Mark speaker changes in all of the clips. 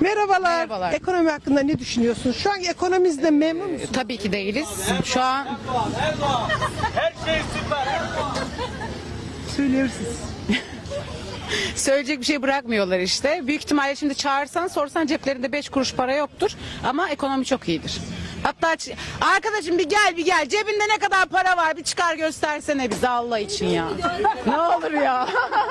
Speaker 1: Merhabalar.
Speaker 2: Merhabalar.
Speaker 1: Ekonomi hakkında ne düşünüyorsunuz? Şu an ekonomimizden memnun musunuz?
Speaker 2: Tabii ki değiliz. Şu an
Speaker 3: Her şey süper.
Speaker 1: Söyleyebilirsiniz.
Speaker 2: söyleyecek bir şey bırakmıyorlar işte. Büyük ihtimalle şimdi çağırsan sorsan ceplerinde 5 kuruş para yoktur. Ama ekonomi çok iyidir. Hatta arkadaşım bir gel cebinde ne kadar para var bir çıkar göstersene bize Allah için ya. Ne olur ya.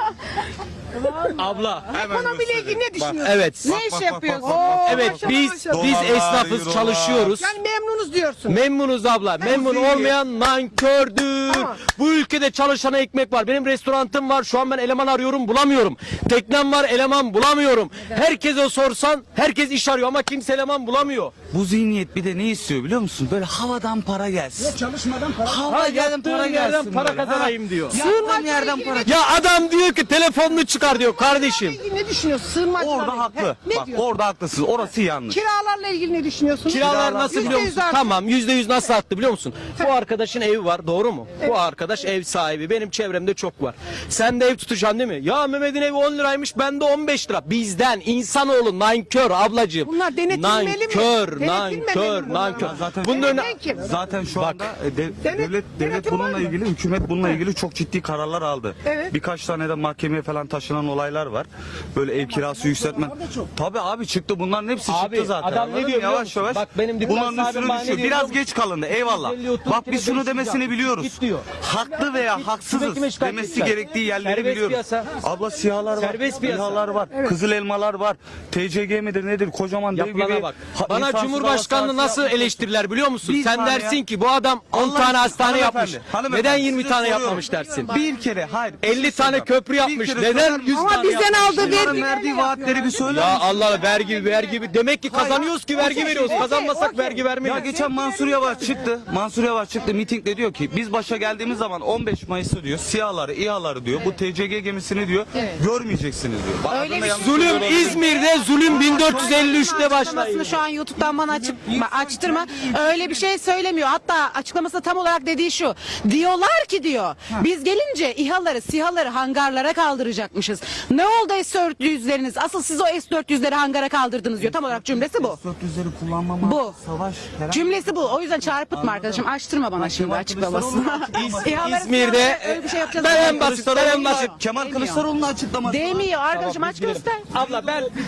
Speaker 4: Abla.
Speaker 1: Ekonomiyle ilgili ne düşünüyorsunuz?
Speaker 4: Evet.
Speaker 2: Ne iş yapıyorsun?
Speaker 4: Evet biz esnafız, çalışıyoruz.
Speaker 1: Yani memnunuz diyorsun.
Speaker 4: Memnunuz abla. Memnun olmayan nankördür.
Speaker 1: Tamam.
Speaker 4: Bu ülkede çalışana ekmek var. Benim restorantım var. Şu an ben eleman arıyorum, bulamıyorum. Teknem var, eleman bulamıyorum. Herkese sorsan herkes iş arıyor ama kimse eleman bulamıyor.
Speaker 5: Bu zihniyet bir de ne istiyor biliyor musun? Böyle havadan para gelsin.
Speaker 6: Çalışmadan para.
Speaker 5: Havadan
Speaker 4: Yattığım
Speaker 5: para
Speaker 4: yerden
Speaker 5: gelsin.
Speaker 4: para
Speaker 5: böyle, ha?
Speaker 4: kazanayım diyor.
Speaker 5: Yattığın yerden para.
Speaker 4: Ya adam diyor ki telefonunu çıkar diyor kardeşim.
Speaker 1: İlgili ne düşünüyorsun? Sığınmacılarla
Speaker 5: Orada
Speaker 1: ilgili.
Speaker 5: haklı.
Speaker 1: Ne
Speaker 5: Bak
Speaker 1: diyorsun?
Speaker 5: orada haklısın. Orası yanlış.
Speaker 1: Kiralarla ilgili ne düşünüyorsunuz?
Speaker 4: Kiralar nasıl biliyor musun?
Speaker 1: %100 arttı.
Speaker 4: Tamam %100 nasıl arttı biliyor musun? Bu arkadaşın evi var doğru mu? Bu arkadaş ev sahibi. Benim çevremde çok var. Sen de ev tutacaksın değil mi? Ya Mehmet'in evi 10 liraymış bende 15 lira. Bizden insanoğlu nankör ablacığım.
Speaker 1: Bunlar denetilmeli mi?
Speaker 4: Nankör,
Speaker 1: Denetilmemeli
Speaker 4: nankör,
Speaker 1: mi
Speaker 4: nankör.
Speaker 1: bunlar?
Speaker 5: Zaten
Speaker 4: Bunun önüne...
Speaker 1: Denetten kim?
Speaker 5: Zaten şu anda devlet
Speaker 1: denetim var
Speaker 5: bununla
Speaker 1: mı?
Speaker 5: ilgili, hükümet bununla ilgili çok ciddi kararlar aldı.
Speaker 1: Evet.
Speaker 5: Birkaç tane de mahkemeye falan taşınan olaylar var. Böyle ev kirası yükseltme. Tabii abi çıktı. Bunların hepsi
Speaker 4: Abi,
Speaker 5: çıktı zaten.
Speaker 4: adam ne
Speaker 5: Anladın
Speaker 4: diyor
Speaker 5: mı?
Speaker 4: biliyor
Speaker 5: Yavaş
Speaker 4: musun?
Speaker 5: yavaş.
Speaker 4: Bak benim dükkan
Speaker 5: bunların
Speaker 4: sahibim
Speaker 5: üstüne
Speaker 4: bana ne
Speaker 5: düşüyor.
Speaker 4: diyor
Speaker 5: Biraz
Speaker 4: biliyor
Speaker 5: geç kalındı. Eyvallah.
Speaker 4: 150, 30
Speaker 5: Bak
Speaker 4: kilo
Speaker 5: biz şunu
Speaker 4: değişik
Speaker 5: demesini
Speaker 4: ya.
Speaker 5: biliyoruz.
Speaker 4: Git diyor.
Speaker 5: Haklı veya
Speaker 4: Git,
Speaker 5: haksızız
Speaker 4: kime şikayet
Speaker 5: demesi
Speaker 4: edeceksin?
Speaker 5: gerektiği yerleri
Speaker 4: Serbest
Speaker 5: biliyoruz.
Speaker 4: piyasa.
Speaker 5: Abla siyahlar var.
Speaker 4: Serbest piyasa.
Speaker 5: İHA'lar var. Kızıl elmalar var. TCG midir nedir? Kocaman dev
Speaker 4: Yapılana
Speaker 5: gibi.
Speaker 4: bak. Bana
Speaker 5: insansız
Speaker 4: Cumhurbaşkanlığı
Speaker 5: hava sahası
Speaker 4: nasıl
Speaker 5: yapmış.
Speaker 4: eleştirirler biliyor musun?
Speaker 5: Bir
Speaker 4: Sen
Speaker 5: saniye
Speaker 4: dersin
Speaker 5: ya.
Speaker 4: ki bu adam 10
Speaker 5: Allah
Speaker 4: tane
Speaker 5: aşkına,
Speaker 4: hastane
Speaker 5: hanımefendi,
Speaker 4: yapmış.
Speaker 5: hanımefendi,
Speaker 4: Neden 20
Speaker 5: size
Speaker 4: tane
Speaker 5: soruyorum.
Speaker 4: yapmamış dersin?
Speaker 5: Bir kere hayır.
Speaker 4: 50 tane köprü yapmış. Neden 100
Speaker 1: Ama
Speaker 4: tane
Speaker 1: bizden
Speaker 4: yapmamış?
Speaker 1: aldığı
Speaker 5: Bunların
Speaker 1: vergi
Speaker 5: verdiği vaatleri bir söyler
Speaker 4: Ya
Speaker 5: misin?
Speaker 4: Allah vergi. Demek ki kazanıyoruz ki vergi veriyoruz. Kazanmasak vergi
Speaker 5: Ya
Speaker 4: vermeyiz.
Speaker 5: geçen Mansur Yavaş çıktı. Mansur Yavaş çıktı mitingde diyor ki biz başa geldiğimiz zaman 15 Mayıs'ı diyor SİHA'ları, İHA'ları diyor bu TCG gemisini diyor görmeyeceksiniz diyor. Bak,
Speaker 2: Öyle
Speaker 5: adını
Speaker 2: bir
Speaker 5: yanlış
Speaker 4: Zulüm
Speaker 5: söylüyorum.
Speaker 4: İzmir'de zulüm 1453'te başlayın.
Speaker 2: açıklamasını şu an YouTube'dan bana açtırma. Öyle bir şey söylemiyor. Hatta açıklaması tam olarak dediği şu. Diyorlar ki diyor. Biz gelince İHA'ları, SİHA'ları hangarlara kaldıracakmışız. Ne oldu S-400'leriniz? Asıl siz o S-400'leri hangara kaldırdınız diyor. Tam olarak cümlesi bu.
Speaker 5: S-400'leri kullanmama,
Speaker 2: Bu.
Speaker 5: savaş herhangi-
Speaker 2: Cümlesi bu. O yüzden çarpıtma arkadaşım. Açtırma bana şimdi açıklamasını. İHA'ları,
Speaker 4: İzmir'de
Speaker 2: SİHA'ları öyle bir şey yapacağız.
Speaker 4: ben en
Speaker 2: demiyor.
Speaker 4: basit, ben en basit.
Speaker 5: Kemal
Speaker 2: Demiyor.
Speaker 5: Kılıçdaroğlu'nun açıklaması.
Speaker 2: Demiyor arkadaşım aç göster.
Speaker 4: Abla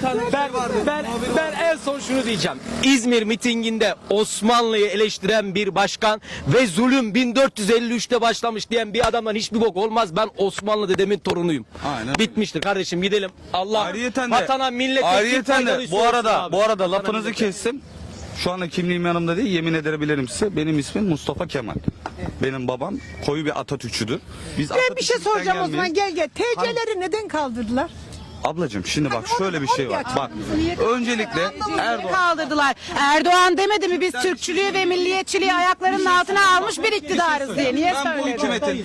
Speaker 4: ben en son şunu diyeceğim. İzmir mitinginde Osmanlı'yı eleştiren bir başkan ve zulüm 1453'te başlamış diyen bir adamdan hiçbir bok olmaz. Ben Osmanlı dedemin torunuyum.
Speaker 5: Aynen.
Speaker 4: Bitmiştir kardeşim gidelim. Allah
Speaker 5: Ayrıyeten de,
Speaker 4: vatana millete
Speaker 5: ayrıyeten de
Speaker 4: faydalı
Speaker 5: bu
Speaker 4: olsun
Speaker 5: arada
Speaker 4: abi.
Speaker 5: bu arada
Speaker 4: Vatana
Speaker 5: lafınızı
Speaker 4: millete.
Speaker 5: kestim. Şu anda kimliğim yanımda değil, yemin edebilirim size. Benim ismim Mustafa Kemal. Benim babam koyu bir Atatürkçüdür. Biz
Speaker 1: Ben bir şey
Speaker 5: Atatürk'ten
Speaker 1: soracağım o zaman
Speaker 5: gelmeyiz.
Speaker 1: gel. TC'leri neden kaldırdılar?
Speaker 5: Ablacığım şimdi bak
Speaker 1: Hadi
Speaker 5: şöyle bir şey var. Bak öncelikle Erdoğan
Speaker 2: Kaldırdılar. Erdoğan demedi mi biz Türkçülüğü ve milliyetçiliği ayaklarının altına almış bir iktidarız diye. Niye
Speaker 5: ben bu
Speaker 2: söyledin?
Speaker 5: hükümetin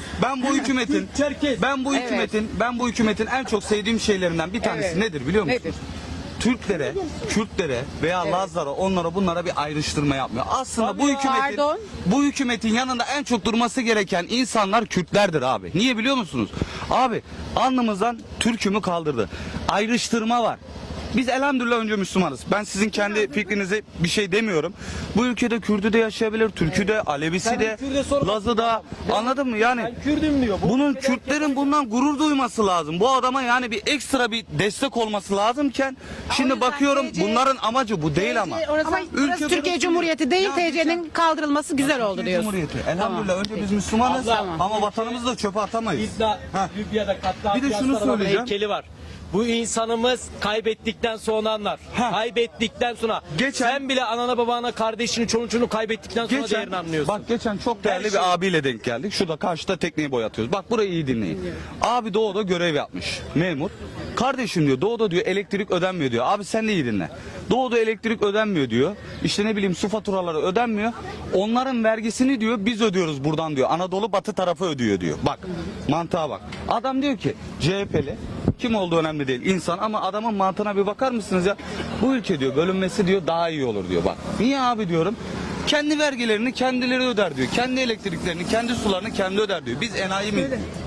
Speaker 5: ben bu hükümetin en çok sevdiğim şeylerinden bir tanesi
Speaker 2: Evet.
Speaker 5: nedir biliyor musun?
Speaker 2: Nedir?
Speaker 5: Türklere, Kürtlere veya Lazlara onlara bunlara bir ayrıştırma yapmıyor. Aslında
Speaker 4: Tabii
Speaker 5: bu
Speaker 4: ya.
Speaker 5: hükümetin
Speaker 2: Pardon?
Speaker 5: bu hükümetin yanında en çok durması gereken insanlar Kürtlerdir abi. Niye biliyor musunuz? Abi alnımızdan Türk'ümü kaldırdı. Ayrıştırma var. Biz elhamdülillah önce Müslümanız. Ben sizin kendi fikrinize bir şey demiyorum. Bu ülkede Kürdü de yaşayabilir, Türkü de, Alevisi de,
Speaker 4: Kürt'e sorma.
Speaker 5: Lazı da. Anladın mı? Yani
Speaker 4: Ben Kürdüm diyor. Bu
Speaker 5: bunun
Speaker 4: ülkede
Speaker 5: Kürtlerin bundan gurur duyması lazım. Bu adama yani bir ekstra bir destek olması lazımken şimdi
Speaker 2: yüzden
Speaker 5: bakıyorum
Speaker 2: TC
Speaker 5: bunların amacı bu değil ama.
Speaker 2: Orası,
Speaker 1: Ama
Speaker 2: burası
Speaker 5: ülke
Speaker 2: Türkiye
Speaker 5: burası
Speaker 2: Cumhuriyeti değil,
Speaker 5: Ya
Speaker 2: TC'nin kaldırılması güzel oldu
Speaker 5: Türkiye
Speaker 2: diyorsun.
Speaker 5: Cumhuriyeti. Elhamdülillah önce biz Müslümanız
Speaker 2: Tamam.
Speaker 5: ama vatanımızı da çöpe atamayız.
Speaker 4: İddia,
Speaker 5: Ha.
Speaker 4: Libya'da katliam
Speaker 5: Bir de şunu
Speaker 4: yaptılar, adamın
Speaker 5: söyleyeceğim.
Speaker 4: heykeli var. Bu insanımız kaybettikten sonra anlar.
Speaker 5: Ha.
Speaker 4: Kaybettikten sonra.
Speaker 5: Geçen-
Speaker 4: Sen bile anana babana kardeşini çoluğunu kaybettikten sonra değerini anlıyorsun.
Speaker 5: Bak geçen çok değerli
Speaker 4: Her şey-
Speaker 5: bir abiyle denk geldik. Şurada karşıda tekneyi boyatıyoruz. Bak burayı iyi dinleyin. Abi Doğu'da görev yapmış. Memur. Kardeşim diyor Doğu'da diyor elektrik ödenmiyor diyor. Abi sen de iyi dinle. Doğu'da elektrik ödenmiyor diyor. İşte ne bileyim su faturaları ödenmiyor. Onların vergisini diyor biz ödüyoruz buradan diyor. Anadolu batı tarafı ödüyor diyor. Bak mantığa bak. Adam diyor ki CHP'li kim olduğu önemli değil insan ama adamın mantığına bir bakar mısınız ya? Bu ülke diyor bölünmesi diyor daha iyi olur diyor bak. Niye abi diyorum? Kendi vergilerini kendileri öder diyor. Kendi elektriklerini, kendi sularını kendi öder diyor. Biz enayi mi?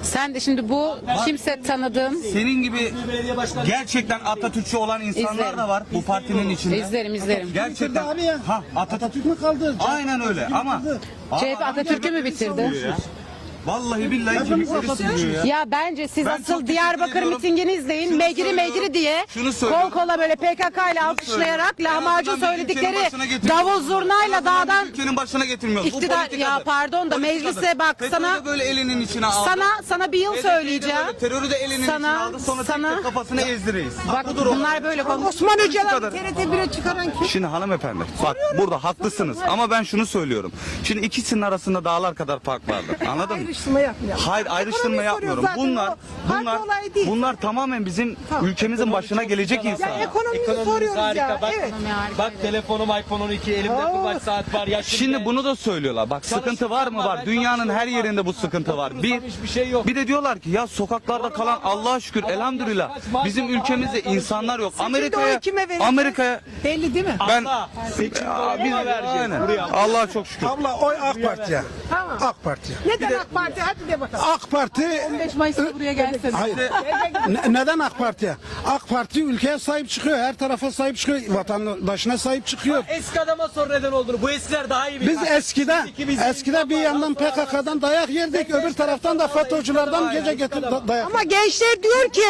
Speaker 2: Sen de şimdi bu kimse tanıdığın
Speaker 5: Senin gibi gerçekten Atatürkçü olan insanlar
Speaker 2: İzlerim.
Speaker 5: da var bu partinin içinde.
Speaker 2: izlerim.
Speaker 5: Gerçekten.
Speaker 1: Abi ya.
Speaker 5: Ha Atatürk
Speaker 1: mü kaldı?
Speaker 5: Aynen öyle ama.
Speaker 2: CHP Atatürk'ü mü bitirdi?
Speaker 5: Vallahi billahi kemikleri sürüyor ya.
Speaker 2: Ya bence siz
Speaker 5: Ben çok
Speaker 2: asıl
Speaker 5: teşekkür
Speaker 2: Diyarbakır
Speaker 5: ediyorum.
Speaker 2: mitingini izleyin.
Speaker 5: Şunu
Speaker 2: Megri
Speaker 5: söylüyorum.
Speaker 2: diye
Speaker 5: Şunu
Speaker 2: kol
Speaker 5: söylüyorum.
Speaker 2: kola böyle PKK ile alkışlayarak
Speaker 5: En
Speaker 2: lahmacun
Speaker 5: azından bir ülkenin
Speaker 2: söyledikleri
Speaker 5: başına getiriyoruz.
Speaker 2: davul zurnayla
Speaker 5: En azından
Speaker 2: dağdan
Speaker 5: bir ülkenin başına getirmiyoruz. Bu
Speaker 2: iktidar
Speaker 5: politikadır.
Speaker 2: ya pardon da
Speaker 5: Politikadır.
Speaker 2: meclise bak
Speaker 5: FETÖ'yü
Speaker 2: sana
Speaker 5: de böyle elinin içine aldı.
Speaker 2: sana bir yıl
Speaker 5: HDP'yi de
Speaker 2: söyleyeceğim.
Speaker 5: böyle terörü de elinin
Speaker 2: Sana-
Speaker 5: içine aldı. Sonra
Speaker 2: sana-
Speaker 5: tek tek kafasını ezdireyiz.
Speaker 2: Bak bunlar böyle konuş.
Speaker 1: Osman Öcalan
Speaker 5: kadar.
Speaker 1: TRT 1'e çıkaran kim?
Speaker 5: Şimdi hanımefendi bak burada haklısınız ama ben şunu söylüyorum. Şimdi ikisinin arasında dağlar kadar fark vardır. Anladın mı?
Speaker 1: Ayrıştırma yapmıyor.
Speaker 5: Hayır ayrıştırma
Speaker 1: Ekonomi
Speaker 5: yapmıyorum.
Speaker 1: soruyor zaten,
Speaker 5: Bunlar
Speaker 1: o parti olayı değil.
Speaker 5: bunlar tamamen bizim ülkemizin başına gelecek
Speaker 1: Ya
Speaker 5: insanlar.
Speaker 1: ekonomiyi
Speaker 3: Ekonomimiz
Speaker 1: soruyoruz
Speaker 3: harika.
Speaker 1: ya.
Speaker 3: Bak,
Speaker 1: Evet.
Speaker 3: bak telefonum iPhone 12, elimde kırbaç saat var. Yaşım
Speaker 5: Şimdi
Speaker 3: genç.
Speaker 5: bunu da söylüyorlar. Bak sıkıntı var mı var? Dünyanın her yerinde bu sıkıntı var.
Speaker 3: Hiçbir şey yok.
Speaker 5: Bir de diyorlar ki ya sokaklarda kalan Allah'a şükür elhamdülillah bizim ülkemizde insanlar yok.
Speaker 1: Seçimde oyu kime verirsen
Speaker 5: Amerika'ya
Speaker 1: belli değil mi?
Speaker 5: ben
Speaker 3: Seçimde
Speaker 5: biz
Speaker 3: vereceğiz.
Speaker 5: aynen.
Speaker 3: Buraya.
Speaker 5: Allah'a çok şükür.
Speaker 6: Abla oy AK Parti'ye.
Speaker 1: Tamam.
Speaker 6: AK Parti'ye.
Speaker 1: Neden AK Parti? Hadi de bakalım.
Speaker 6: AK Parti
Speaker 2: 15 Mayıs'ta buraya gelsene.
Speaker 6: hayır. Neden AK Parti'ye? AK Parti ülkeye sahip çıkıyor. Her tarafa sahip çıkıyor. Vatandaşına sahip çıkıyor.
Speaker 3: Eski adama sor neden olduğunu. Bu eskiler daha iyi bilir.
Speaker 6: Biz eskide bir yandan PKK'dan dayak yerdik. Öbür taraftan da FETÖ'cülerden gece getir dayak.
Speaker 1: Ama gençler diyor ki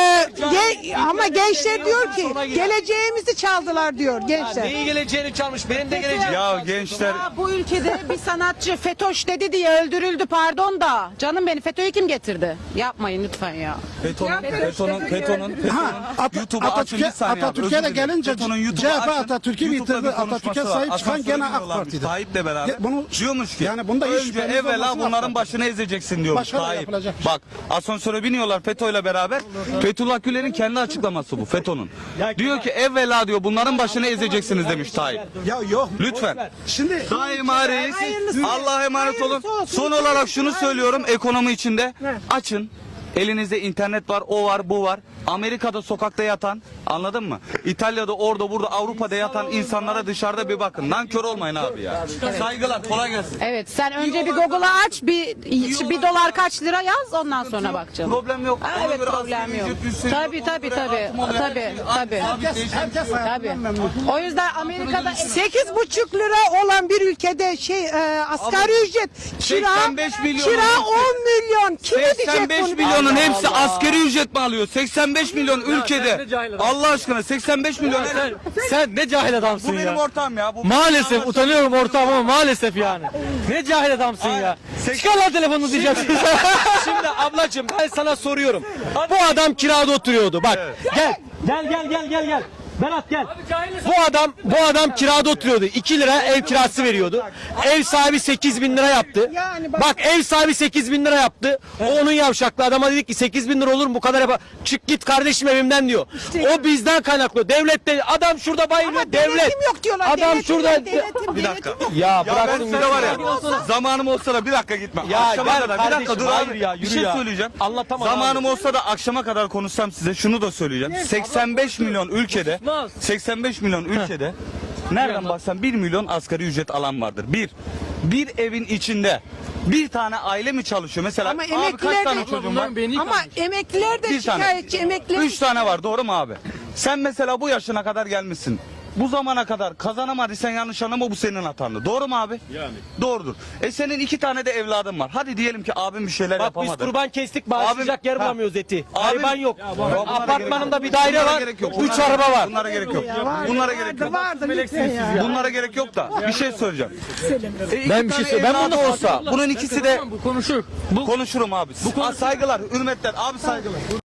Speaker 1: ama gençler diyor ki geleceğimizi çaldılar diyor gençler.
Speaker 3: Neyi geleceğini çalmış. Benim de geleceğim.
Speaker 5: Ya gençler
Speaker 2: Ya bu ülkede bir sanatçı FETÖ'ş dedi diye öldürüldü pardon da. Canım beni FETÖ'yü kim getirdi? Yapmayın lütfen ya.
Speaker 5: FETÖ'nün YouTube'u açın bir saniye abi,
Speaker 6: Atatürk'e
Speaker 5: özür
Speaker 6: de
Speaker 5: dilerim.
Speaker 6: gelince
Speaker 5: FETÖ'nün YouTube'u
Speaker 6: CHP
Speaker 5: açın.
Speaker 6: Atatürk'ü
Speaker 5: YouTube'da
Speaker 6: bitirdi.
Speaker 5: bir konuşması
Speaker 6: Atatürk'e
Speaker 5: var.
Speaker 6: sahip çıkan
Speaker 5: Asansöre
Speaker 6: gene AK
Speaker 5: biniyorlarmış
Speaker 6: Parti'de.
Speaker 5: Tayyip'le beraber.
Speaker 6: Ya bunu-
Speaker 5: diyormuş ki
Speaker 6: yani bunda hiç
Speaker 5: önce
Speaker 6: şüpheniz
Speaker 5: evvela
Speaker 6: olmasın
Speaker 5: bunların
Speaker 6: AK
Speaker 5: başını ezeceksin diyormuş
Speaker 6: Başka da
Speaker 5: Tayyip.
Speaker 6: yapılacak bir şey.
Speaker 5: Bak asansöre biniyorlar FETÖ'yle beraber. Fethullah Gülen'in kendi açıklaması bu FETÖ'nün. Diyor ki evvela diyor bunların başını ezeceksiniz demiş Tayyip.
Speaker 6: Ya yok.
Speaker 5: Lütfen.
Speaker 6: Şimdi
Speaker 5: Daima reis.
Speaker 1: Hayırlısı.
Speaker 5: Allah'a emanet olun.
Speaker 1: Hayırlısı olsun.
Speaker 5: Son olarak şunu söylüyorum ekonomi içinde. Açın. Elinizde internet var, o var, bu var. Amerika'da sokakta yatan, anladın mı? İtalya'da, orada, burada, Avrupa'da yatan insanlara dışarıda bir bakın. Nankör olmayın abi ya. Saygılar, kolay gelsin.
Speaker 2: Evet sen önce bir Google'a aç bir dolar kaç lira yaz ondan sonra bak canım.
Speaker 5: Problem yok. Ona
Speaker 2: Evet
Speaker 5: göre
Speaker 2: problem
Speaker 5: asgari
Speaker 2: yok.
Speaker 5: ücret yükseliyor,
Speaker 2: Tabii
Speaker 5: ona
Speaker 2: tabii
Speaker 5: göre
Speaker 2: tabii.
Speaker 5: artım oluyor.
Speaker 2: Tabii.
Speaker 6: herkes
Speaker 2: Tabii.
Speaker 6: hayatından memnun.
Speaker 2: O yüzden Amerika'da
Speaker 1: 8,5 lira olan bir ülkede asgari ücret kira
Speaker 5: 85 milyon.
Speaker 1: kira 10 milyon. Kim ödeyecek
Speaker 5: 85
Speaker 1: bunu?
Speaker 5: milyonun hepsi askeri ücret mi alıyor? 85 milyon ülkede.
Speaker 3: ne cahil adamsın.
Speaker 5: Allah aşkına 85 milyon.
Speaker 3: Sen ne cahil adamsın
Speaker 5: Bu benim ortam ya. Bu
Speaker 3: Maalesef utanıyorum ortağım ama maalesef yani. Ne cahil adamsın ya. Çıkar lan telefonunu diyeceksin.
Speaker 4: Şimdi ablacığım ben sana soruyorum. Bu adam kirada oturuyordu. Bak
Speaker 3: Gel. Berat gel.
Speaker 4: bu adam kirada oturuyordu. 2 lira ev kirası veriyordu. Ev sahibi 8 bin lira yaptı.
Speaker 1: Yani
Speaker 4: Bak ev sahibi 8 bin lira yaptı. O onun yavşaklı adama dedik ki 8 bin lira olur mu bu kadar yapar. Çık git kardeşim evimden diyor. O bizden kaynaklı. Devlet de adam şurada bayılıyor.
Speaker 1: Ama
Speaker 4: Devlet.
Speaker 1: denetim yok diyorlar.
Speaker 4: Adam
Speaker 1: Denetim
Speaker 4: şurada.
Speaker 1: yok, denetim,
Speaker 5: Bir dakika.
Speaker 1: denetim yok.
Speaker 4: Ya
Speaker 5: Ya ben
Speaker 4: bıraksın
Speaker 5: size var ya zamanım olsa da bir dakika gitme.
Speaker 4: Ya
Speaker 5: Akşama
Speaker 4: gel
Speaker 5: kadar bir dakika
Speaker 4: kardeşim,
Speaker 5: dur
Speaker 4: hayır
Speaker 5: abi.
Speaker 4: ya,
Speaker 5: Bir
Speaker 4: yürü
Speaker 5: şey
Speaker 4: ya.
Speaker 5: söyleyeceğim.
Speaker 4: Anlatamam
Speaker 5: Zamanım olsa da akşama kadar konuşsam size şunu da söyleyeceğim. 85 milyon ülkede 85 milyon ülkede nereden baksan 1 milyon asgari ücret alan vardır. Bir evin içinde bir tane aile mi çalışıyor? Mesela
Speaker 1: Ama
Speaker 5: abi kaç
Speaker 1: emekliler
Speaker 5: tane
Speaker 1: de
Speaker 5: çocuğun var?
Speaker 1: ama emekliler de
Speaker 5: Bir tane.
Speaker 1: şikayetçi emekliler.
Speaker 5: 3 tane var doğru mu abi? Sen mesela bu yaşına kadar gelmişsin. Bu zamana kadar kazanamadıysan yanlış anlama bu senin hatandı. Doğru mu abi? Yani. Doğrudur. Senin 2 tane de evladın var. Hadi diyelim ki abim bir şeyler
Speaker 4: Bak
Speaker 5: yapamadı.
Speaker 4: biz kurban kestik bağışlayacak yer
Speaker 5: Ha.
Speaker 4: bulamıyoruz eti.
Speaker 5: Abim-
Speaker 4: Hayvan yok.
Speaker 5: Bunlara
Speaker 4: Apartmanımda
Speaker 5: gerek
Speaker 4: bir daire
Speaker 5: Bunlara
Speaker 4: var.
Speaker 5: gerek yok.
Speaker 4: 3 araba var.
Speaker 5: Bunlara gerek yok. Bunlara gerek yok.
Speaker 1: Vardı lütfen ya.
Speaker 5: Bunlara gerek yok da bir şey söyleyeceğim.
Speaker 4: Ben bir şey söyleyeyim. Ben bunu
Speaker 5: olsa bunun ikisi de
Speaker 3: Bu konuşur.
Speaker 5: konuşurum abi. Saygılar, hürmetler. Abi saygılar.